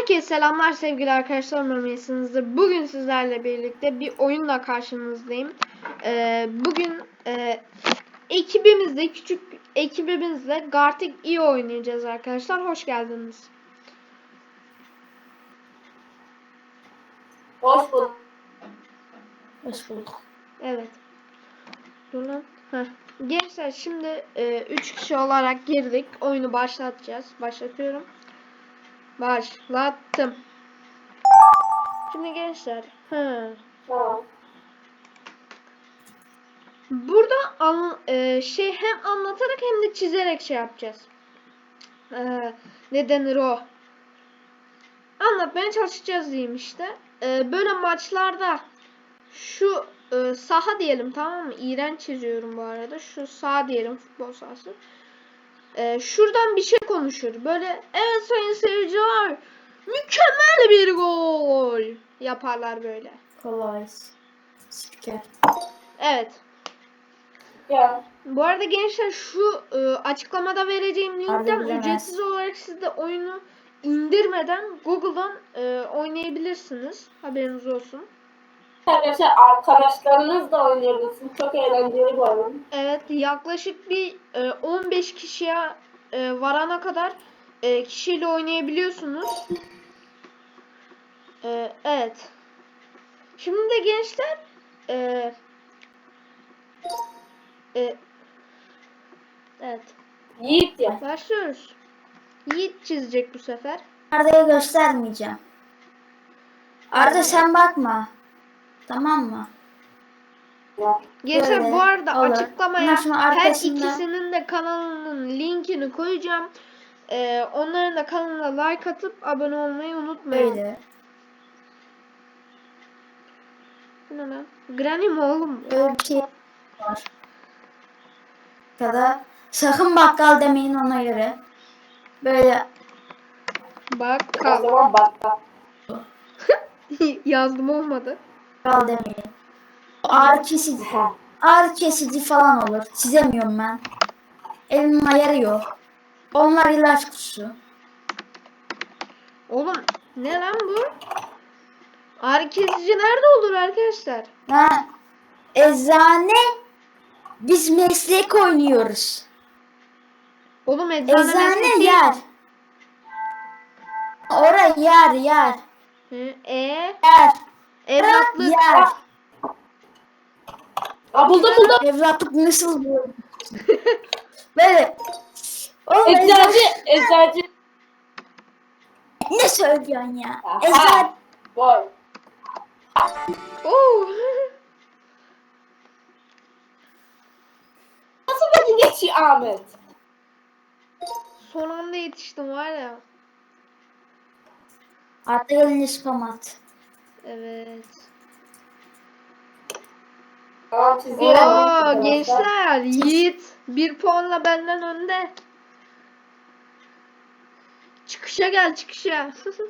Herkese selamlar sevgili arkadaşlar, umarım iyisinizdir. Bugün sizlerle birlikte bir oyunla karşınızdayım. Bugün küçük ekibimizle Gartic iyi oynayacağız arkadaşlar. Hoş geldiniz. Hoş bulduk. Hoş bulduk. Evet. Dur lan. Gençler şimdi 3 kişi olarak girdik. Oyunu başlatacağız. Başlatıyorum. Başlattım. Şimdi gençler. Tamam. Burada hem anlatarak hem de çizerek şey yapacağız. Ne denir o? Anlatmaya çalışacağız diyeyim işte. Böyle maçlarda şu saha diyelim, tamam mı? İğrenç çiziyorum bu arada. Şu saha diyelim, futbol sahası. Şuradan bir şey konuşur. Böyle evet sayın seyirciler, mükemmel bir gol yaparlar böyle. Kolay. Spiker. Evet. Ya. Bu arada gençler şu açıklamada vereceğim linkten ücretsiz olarak siz de oyunu indirmeden Google'dan oynayabilirsiniz. Haberiniz olsun. Arkadaşlar arkadaşlarınız da oynayabilirsiniz. Çok eğlenceli bir oyun. Evet, yaklaşık bir 15 kişiye varana kadar kişiyle oynayabiliyorsunuz. Evet. Şimdi de gençler evet. Yiğit ya. Başlıyoruz. Yiğit çizecek bu sefer. Arda'yı göstermeyeceğim. Arda sen bakma. Tamam mı? Ya. Gençler Böyle bu arada olur. açıklamaya Bundan sonra her arkasında- ikisinin de kanalının linkini koyacağım. Onların da kanalına like atıp abone olmayı unutmayın. Böyle. Bu ne lan? Granny mi oğlum? Böyle bir şey var. Ya da sakın bakkal demeyin ona göre. Böyle Bak O kal. zaman bak. Yazdım, olmadı. bakkal demeyin. Ağrı kesici. Ağrı kesici falan olur. Çizemiyorum ben. Elimin ayarı yok. Onlar ilaç kutusu. Oğlum ne lan bu? Ağrı kesici nerede olur arkadaşlar? Ha, eczane. Biz meslek oynuyoruz. Oğlum eczane Eczane mesleki. yer. Ora yer. Hı, Yer. evlatlık. Yer. Aa, buldum. Evlatlık nasıl bu? Böyle. Oğlum Eczacı. ne söylüyorsun ya? Aha. Eczane. Boy. Oo. Nasıl beni geçiyor Ahmet? Son anda yetiştim var ya. Artık elini spam at. Evet. Tamam çiziyorum. Oo Arkadaşlar. gençler, Yiğit 1 puanla benden önde. Çıkışa gel, çıkışa.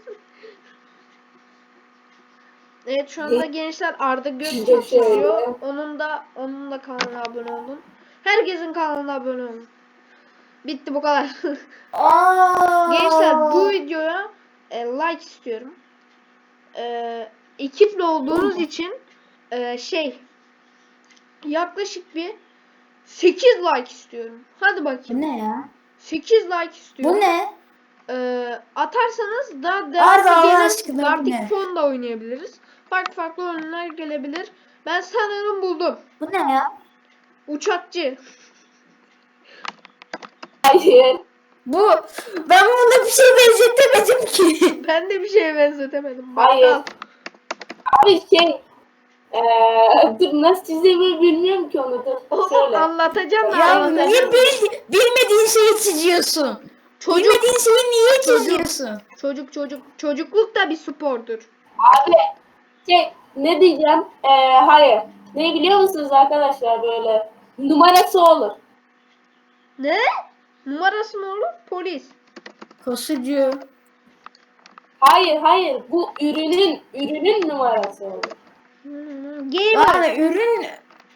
Evet, şu anda gençler Arda Gökçe çiziyor. Onun da kanalına abone olun. Herkesin kanalına abone olun. Bitti, bu kadar. Gençler bu videoya like istiyorum. Ekiple olduğunuz için yaklaşık bir 8 like istiyorum. Hadi Bu bakayım. ne ya? 8 like istiyorum. Bu ne? Atarsanız daha Arda, Allah devamlı aşkına bu Gartic ne? Phone da oynayabiliriz. Farklı oyunlar gelebilir. Ben sanırım buldum. Bu ne ya? Uçakçı. Hayır. Bu ben buna bir şey benzetemedim ki. Ben de bir şeye benzetemedim. Hayır. Bakkal. Abi dur nasıl çizdiğimi bilmiyorum ki onu. Dur Oğlum şöyle. anlatacağım da Ya anlatacağım. niye bilmediğin şeyi çiziyorsun? Bilmediğin şeyi niye çiziyorsun? Çocukluk da bir spordur. Abi ne diyeceğim? Hayır. Ne biliyor musunuz arkadaşlar, böyle numarası olur. Ne? Numarası mı olur? Polis. Kosucu. Hayır. Bu ürünün numarası olur. Gamer. Yani ürün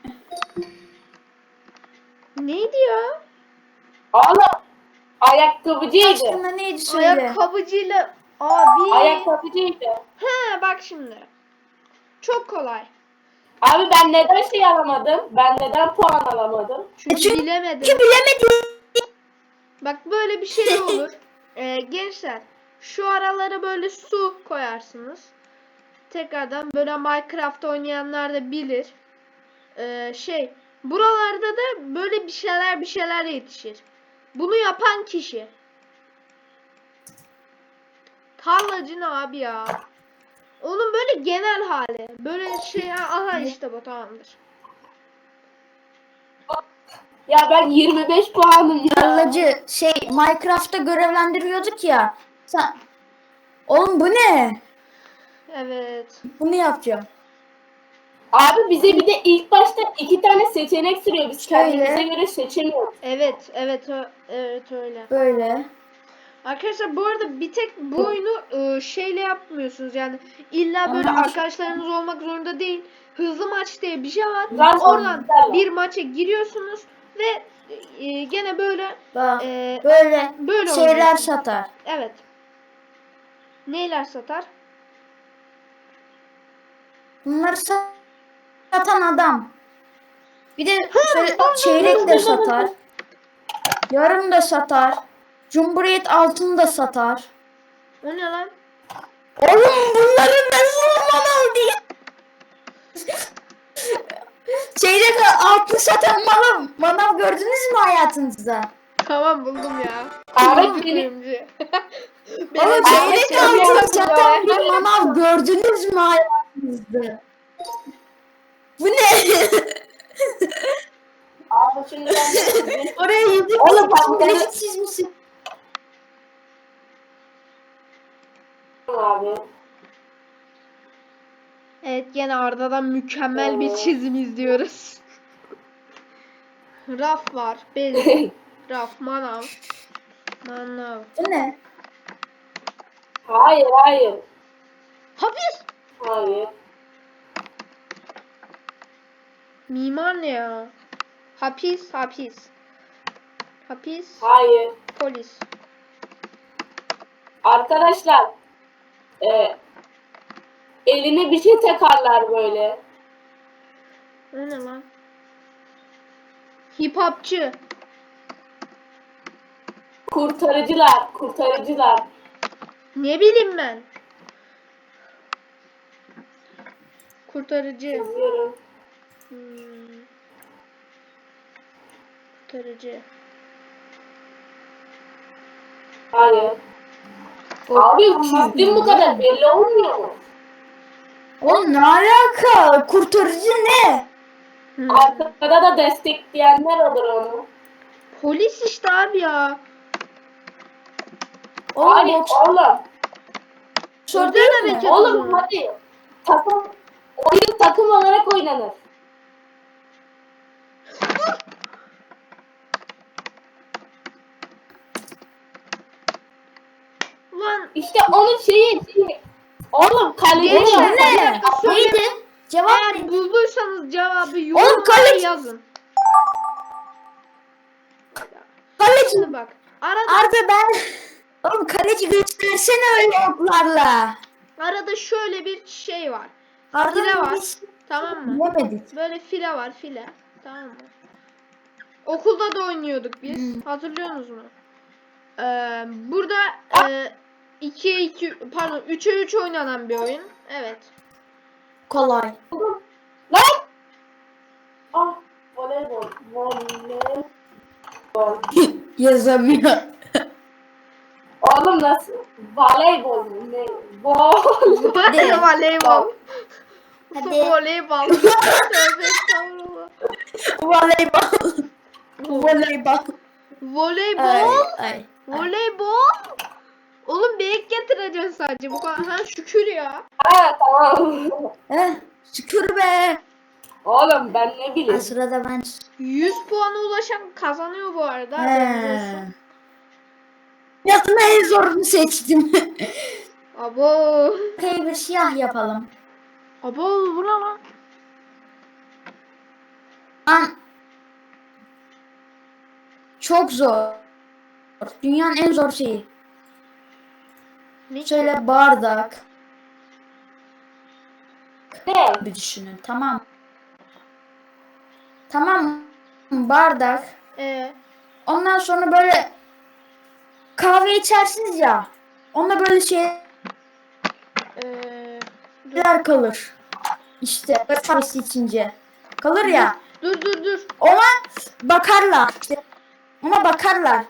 Neydi ya? Oğlum ayakkabıcıydı. aslında neydi söyle? Ayakkabıcıyla Abi. Ayakkabıcıydı. He bak şimdi. Çok kolay. Abi ben neden şey alamadım? Ben neden puan alamadım? Çünkü Çünkü bilemedim. bilemedim. Bak böyle bir şey olur. Gençler şu aralara böyle su koyarsınız. Tekrardan böyle Minecraft oynayanlar da bilir. Buralarda da böyle bir şeyler yetişir. Bunu yapan kişi. Tarlacı ne abi ya? Onun böyle genel hali. Böyle şey aha işte bu tamamdır. Ya ben 25 puanım ya. Tarlacı Minecraft'ta görevlendiriyorduk ya. Oğlum bu ne? Evet. Bunu yapacağım. Abi bize bir de ilk başta 2 tane seçenek sürüyor. Biz Şöyle. kendimize göre seçemiyoruz. Evet öyle. Böyle. Arkadaşlar bu arada bir tek bu oyunu şeyle yapmıyorsunuz yani illa böyle Ama- arkadaşlarınız olmak zorunda değil. Hızlı maç diye bir şey var. Zaten Oradan güzel. bir maça giriyorsunuz ve gene böyle Bak e, böyle, böyle şeyler oynuyorsunuz. satar. Evet. Neyler satar? Bunları satan adam. Bir de şöyle çeyrek de satar. Yarım da satar. Cumhuriyet altın da satar. O ne lan? Oğlum bunları nasıl manav diye. Çeyrek altın satan manav gördünüz mü hayatınızda? Tamam buldum ya. Abi Buldum seni- kuyumcu. Oğlum çeyrek şey altın yapıyorum satan ya. bir manav gördünüz mü hayatınızda? Bu ne? Abi şimdi ben Oraya yüzük Oğlum bak ben- çizmişsin. abi. Evet gene Arda'dan mükemmel bir çizim izliyoruz. Raf var. Bez. Raf. Manav. Bu ne? Hayır. Hapis. Hayır. Mimar ne ya? Hapis. Hayır. Polis. Arkadaşlar eline bir şey takarlar böyle. O ne lan? Hip hopçı. Kurtarıcılar. Ne bileyim ben. Kurtarıcı. Yazıyorum. Hmm. Kurtarıcı. Hayır. Abi çizdim bu kadar belli olmuyor mu? Oğlum ne alaka? Kurtarıcı ne? Hmm. Arkada da destekleyenler olur onu. Polis işte abi ya. Oğlum Hayır boksör oğlum. değil Özel mi? hareket. Oğlum hadi. Oyun takım olarak oynanır. Ulan İşte onun şeyi. Oğlum kaleci Gençler, yok. bir Ne? dakika söyleyeyim. Neydi? Cevap eğer bulduysanız cevabı yorumlara kaleci- yazın. kaleci. Şimdi bak. Arada Arda ben... Oğlum kaleci göstersene öyle oklarla. arada şöyle bir şey var. Arda File var. biz Tamam mı? bilemedik. Böyle file var file. Tamam mı? Okulda da oynuyorduk biz. Hatırlıyorsunuz mu? Burada 2'ye 2 pardon 3'e 3 oynanan bir oyun. Evet. Kolay. Lan! Ah, voleybol. Yazamıyor. Oğlum nasıl? Voleybol mu? Ne? Hadi. Voleybol. Hadi. Voleybol. Tövbe estağfurullah. Voleybol. Voleybol. Voleybol. Ay. Voleybol. Oğlum bir ek getireceksin sadece bu kadar. Ha şükür ya. Ha tamam. Şükür be. Oğlum ben ne Ha, bileyim. sırada ben. 100 puana ulaşan kazanıyor bu arada. Haberiniz olsun. Yazma en zorunu seçtim. Abo. Bir siyah yapalım. Abo bu ne lan? An çok zor. Dünyanın en zor şeyi. Ne ki? Şöyle bardak Ne? bir düşünün, tamam mı? Tamam mı? Bardak. Ondan sonra böyle kahve içersiniz ya. Onunla böyle şeyler Dur. kalır. İşte böyle kahvesi içince. Kalır ya. Dur. Ona bakarlar. İşte ona bakarlar.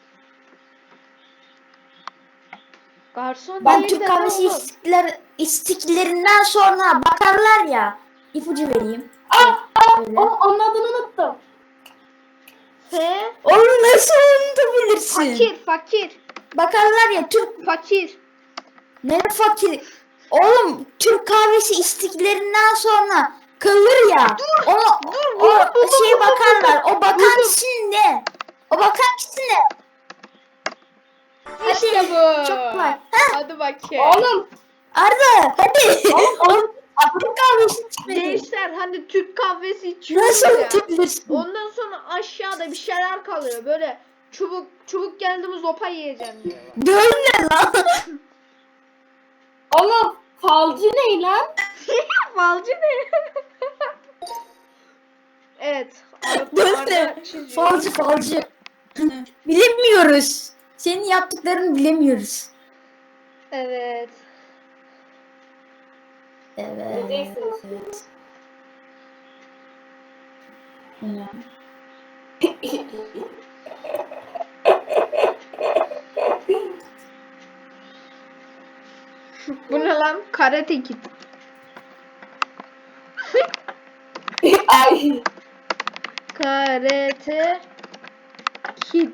Garson Ben değil Türk de kahvesi oğlum. içtiklerinden sonra bakarlar ya. İpucu vereyim. Böyle. Onun adını unuttum. F. Onu nasıl unutabilirsin? Fakir. Bakarlar ya Türk. Fakir. Ne fakir? Oğlum Türk kahvesi içtiklerinden sonra kalır ya. O şeye bakarlar. O bakan kişi ne? O bakan kişi ne? Hadi. İşte bu. Çok kolay. Hadi bakayım. Oğlum. Arda hadi. Oğlum. Türk kahvesi içmedi. Gençler hani Türk kahvesi içiyoruz Nasıl ya. unutabilirsin? Ondan sonra aşağıda bir şeyler kalıyor. Böyle çubuk geldi mi zopa yiyeceğim diyor. Böyle lan. Oğlum. Falcı ne lan? Falcı ne? Evet. Böyle. Arda çiziyor. Falcı. Bilemiyoruz. Senin yaptıklarını bilemiyoruz. Evet. Evet. Bileceksiniz. Ya. Bu ne lan? Karate Kid. Ay. Karate Kid.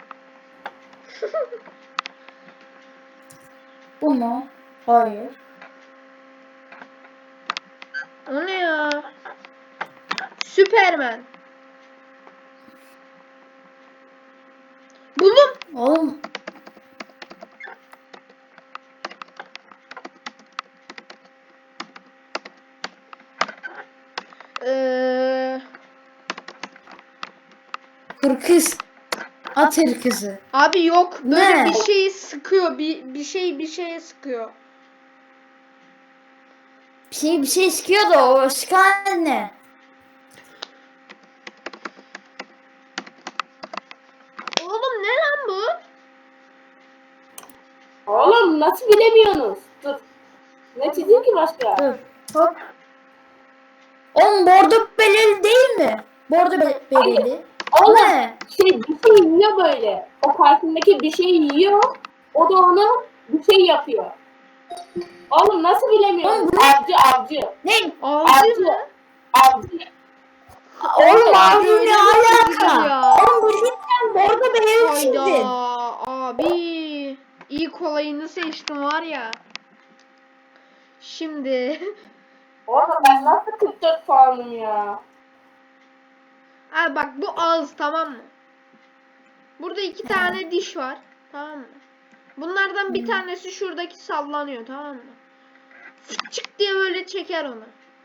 Bu mu? Hayır. O ne ya? Süperman. Buldum. Oğlum. Hırkız. At hırkızı. Abi yok. Böyle Ne? bir şeyi sıkıyor. Bir şeye sıkıyor. Bir şey sıkıyor da o sıkan ne? Oğlum ne lan bu? Oğlum nasıl bilemiyorsunuz? Dur. Ne çizeyim ki başka? Dur. Hop. Oğlum bordo belirli değil mi? Bordo belirli. Oğlum Ne? bir şey yiyor böyle. O karşındaki bir şey yiyor. O da onu bir şey yapıyor. Oğlum nasıl bilemiyorsun? Oğlum bu- Avcı. Ne? Ağzı mı? Avcı. Oğlum abi Öyle ne mi alaka? ya? Oğlum bu cidden bordo belirli Hayda çizdin. abi. İyi kolayını seçtim var ya. Şimdi. Oğlum ben nasıl 44 puanım ya? Abi bak bu ağız tamam mı? Burada iki tane diş var. Tamam mı? Bunlardan bir tanesi şuradaki sallanıyor tamam mı? Çık diye böyle çeker onu.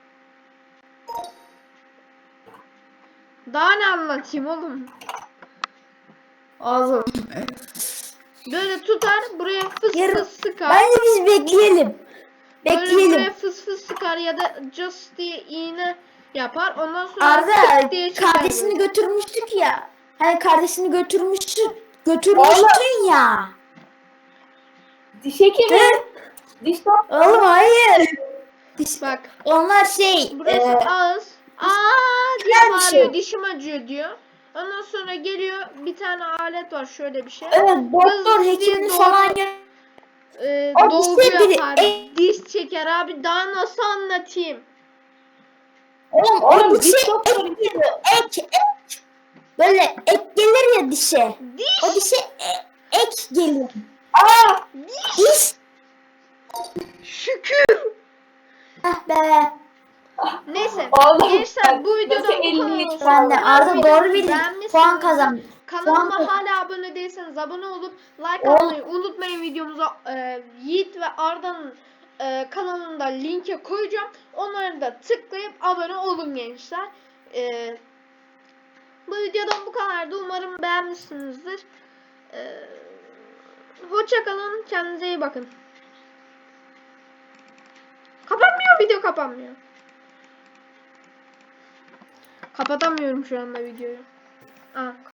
Daha ne anlatayım oğlum? Oğlum. Böyle tutar buraya fıs Yarın- fıs sıkar. Bence biz bekleyelim. Böyle buraya Bekleyelim. fıs fıs sıkar ya da just diye iğne yapar. Ondan sonra Arda tık diye çeker kardeşini böyle. götürmüştük ya. Hani kardeşini götürmüştün ya. Diş hekimi. Hı? Diş doktoru. Oğlum hayır. Bak Onlar şey. burası ağız. Aa diye güzel bir bağırıyor. şey. Dişim acıyor diyor. Ondan sonra geliyor bir tane alet var şöyle bir şey. Evet doktor Hızlı diye hekimini doğru- falan O dolgu işte biri- yapar. Diş çeker abi. Daha nasıl anlatayım? Oğlum Oğlum, o dişe diş doktoru. ek geliyor. Ek. Böyle ek gelir ya dişe. Diş. O dişe ek geliyor. Aa! Diş. Şükür. Ah be. Neyse. Oğlum, Gençler bu videodan nasıl bu kadar 53 olsun. Ben de Arda Videoyu doğru bildin. beğenmişsiniz. Puan kazandı. Kanalıma Puan- hala abone değilseniz abone olup like Oğlum. atmayı unutmayın videomuza. Yiğit ve Arda'nın kanalında linke koyacağım. Onları da tıklayıp abone olun gençler. Bu videodan bu kadardı. Umarım beğenmişsinizdir. Hoşça kalın. Kendinize iyi bakın. kapanmıyor? Kapatamıyorum şu anda videoyu. Aa,